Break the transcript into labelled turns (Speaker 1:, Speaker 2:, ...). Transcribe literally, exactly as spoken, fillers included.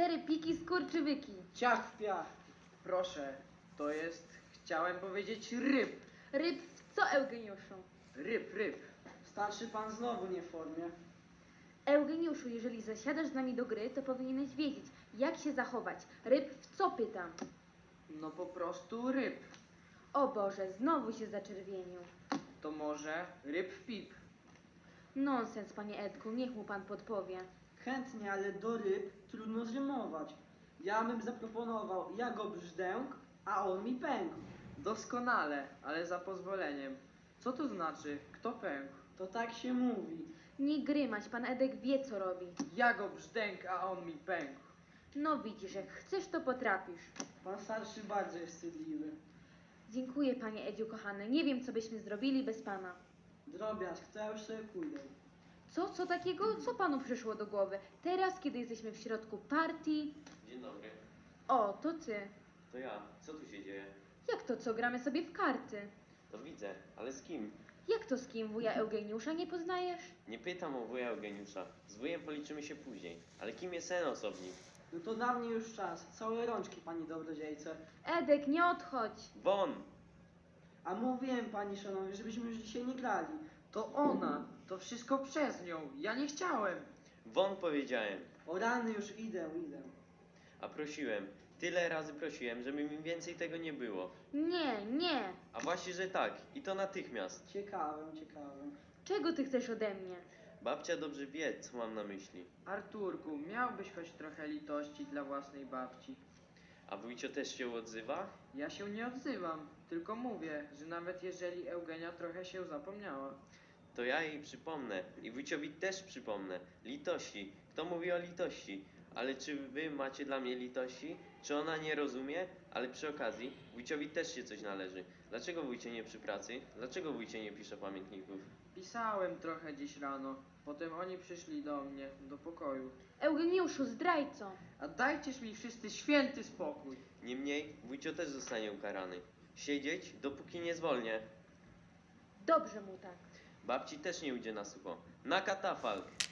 Speaker 1: Cztery piki skurczywyki.
Speaker 2: Ciach w piach.
Speaker 3: Proszę, to jest, chciałem powiedzieć ryb.
Speaker 1: Ryb w co, Eugeniuszu?
Speaker 3: Ryb, ryb.
Speaker 2: Starszy pan znowu nie w formie.
Speaker 1: Eugeniuszu, jeżeli zasiadasz z nami do gry, to powinieneś wiedzieć, jak się zachować. Ryb w co, pytam?
Speaker 3: No po prostu ryb.
Speaker 1: O Boże, znowu się zaczerwienił.
Speaker 3: To może ryb w pip.
Speaker 1: Nonsens, panie Edku, niech mu pan podpowie.
Speaker 2: Chętnie, ale do ryb trudno zrymować. Ja bym zaproponował, ja go brzdęk, a on mi pękł.
Speaker 3: Doskonale, ale za pozwoleniem. Co to znaczy? Kto pękł?
Speaker 2: To tak się mówi.
Speaker 1: Nie grymać, pan Edek wie, co robi.
Speaker 3: Ja go brzdęk, a on mi pękł.
Speaker 1: No widzisz, jak chcesz, to potrafisz.
Speaker 2: Pan starszy bardzo jest wstydliwy.
Speaker 1: Dziękuję, panie Edziu, kochany. Nie wiem, co byśmy zrobili bez pana.
Speaker 2: Drobiazg, to ja już sobie pójdę.
Speaker 1: Co, co takiego? Co panu przyszło do głowy? Teraz, kiedy jesteśmy w środku partii...
Speaker 4: Dzień dobry,
Speaker 1: O, to ty.
Speaker 4: to ja. Co tu się dzieje?
Speaker 1: Jak to co? Gramy sobie w karty.
Speaker 4: To widzę, ale z kim?
Speaker 1: Jak to z kim? Wuja Eugeniusza nie poznajesz?
Speaker 4: Nie pytam o wuja Eugeniusza. Z wujem policzymy się później. Ale kim jest ten osobnik?
Speaker 2: No to dla mnie już czas. Całe rączki, pani dobrodziejce.
Speaker 1: Edek, nie odchodź.
Speaker 4: Won!
Speaker 2: A mówiłem, pani szanowni, żebyśmy już dzisiaj nie grali.
Speaker 3: To ona. To wszystko przez nią. Ja nie chciałem.
Speaker 4: Won powiedziałem.
Speaker 2: O rany, już idę, idę.
Speaker 4: A prosiłem. Tyle razy prosiłem, żeby mi więcej tego nie było.
Speaker 1: Nie, nie.
Speaker 4: A właśnie, że tak. I to natychmiast.
Speaker 2: Ciekawym, ciekawym.
Speaker 1: Czego ty chcesz ode mnie?
Speaker 4: Babcia dobrze wie, co mam na myśli.
Speaker 3: Arturku, miałbyś choć trochę litości dla własnej babci.
Speaker 4: A wujcio też się odzywa?
Speaker 3: Ja się nie odzywam, tylko mówię, że nawet jeżeli Eugenia trochę się zapomniała.
Speaker 4: To ja jej przypomnę. I wujciowi też przypomnę. Litości. Kto mówi o litości? Ale czy wy macie dla mnie litości? Czy ona nie rozumie? Ale przy okazji, wujciowi też się coś należy. Dlaczego wujcie nie przy pracy? Dlaczego wujcie nie pisze pamiętników?
Speaker 3: Pisałem trochę dziś rano, potem oni przyszli do mnie, do pokoju.
Speaker 1: Eugeniuszu, zdrajco.
Speaker 3: A dajcież mi wszyscy święty spokój.
Speaker 4: Niemniej, wujcio też zostanie ukarany. Siedzieć, dopóki nie zwolnię.
Speaker 1: Dobrze mu tak.
Speaker 4: Babci też nie ujdzie na sucho. Na katafalk!